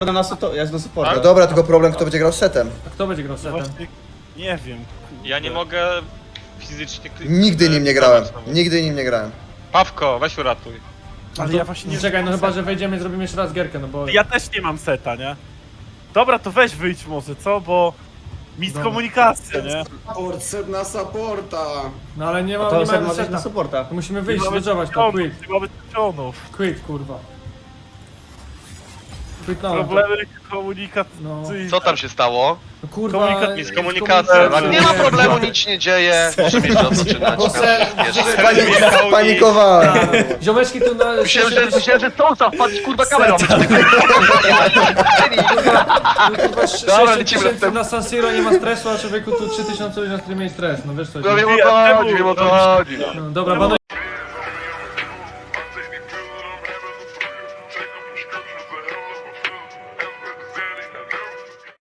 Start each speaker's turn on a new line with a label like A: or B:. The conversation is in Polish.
A: jest na supporcie.
B: No dobra, tylko problem, kto będzie grał setem.
C: A kto będzie grał setem?
D: Właśnie, nie wiem.
E: Ja nie mogę fizycznie
B: Nigdy nim nie grałem. Nigdy nim nie grałem.
E: Pawko, weź uratuj.
D: Ale ja właśnie nie
C: Czekaj, no
D: mam
C: chyba,
D: seta.
C: że wejdziemy i zrobimy jeszcze raz gierkę, no bo...
D: Ja też nie mam seta, nie? Dobra, to weź wyjdź może, co? Bo... Miskomunikacja, nie?
F: Support, set na supporta.
C: No ale nie
A: To
C: mamy
A: jest na
C: seta.
A: supporta.
C: To musimy wyjść,
D: Nie mamy
C: wydżować to,
D: czempionów,
C: quit.
D: nie mamy czempionów.
C: Quit, kurwa. Quitnąłem to.
D: Problemy komunikacyjne.
G: Co tam się stało?
C: No kurwa...
D: Komunikat-
E: Jest komunikacja, tak?
G: Nie ma problemu, nic się nie dzieje. Możemy jeszcze rozpoczynać.
B: Panikowałem.
C: Ziomeczki tu na...
G: Myślałem, że Sousa wpadł kurwa kamerą.
C: Kurwa, 6
G: Dobra, lecimy
C: tysięcy na San Siro nie ma stresu, a człowieku tu 3000 ludzi na streamie i stres, no wiesz co?
G: No wiem o co chodzi, wiem o co chodzi.
C: No, dobra,